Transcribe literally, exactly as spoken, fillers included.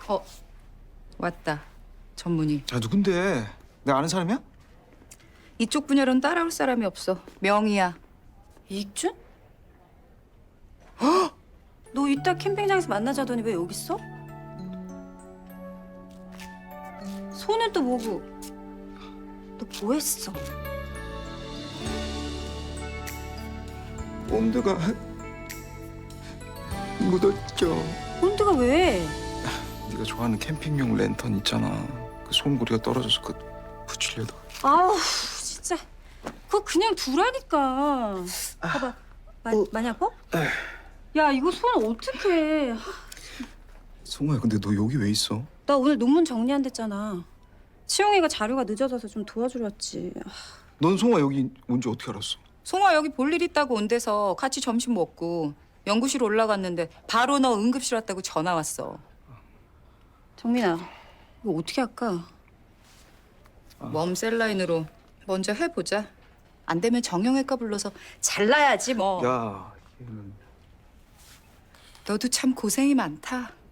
어, 왔다. 전문의. 야, 누군데? 내가 아는 사람이야? 이쪽 분야로는 따라올 사람이 없어. 명의야. 이익준? 헉! 너 이따 캠핑장에서 만나자더니 왜 여기 있어? 손은 또 뭐고? 너 뭐 했어? 본드가 묻었죠. 본드가 왜? 네가 좋아하는 캠핑용 랜턴 있잖아. 그 솜구리가 떨어져서 그 붙이려다. 아우 진짜 그거 그냥 두라니까. 봐봐. 마, 많이 아파? 야 이거 손 어떡해. 성호야, 근데 너 여기 왜 있어? 나 오늘 논문 정리한댔잖아. 치용이가 자료가 늦어져서 좀 도와주러 왔지. 넌 성호야 여기 온지 어떻게 알았어? 송아 여기 볼 일 있다고 온 데서 같이 점심 먹고 연구실 올라갔는데 바로 너 응급실 왔다고 전화 왔어. 정민아 이거 어떻게 할까? 웜 셀라인으로 먼저 해보자. 안 되면 정형외과 불러서 잘라야지 뭐. 야, 얘는 너도 참 고생이 많다.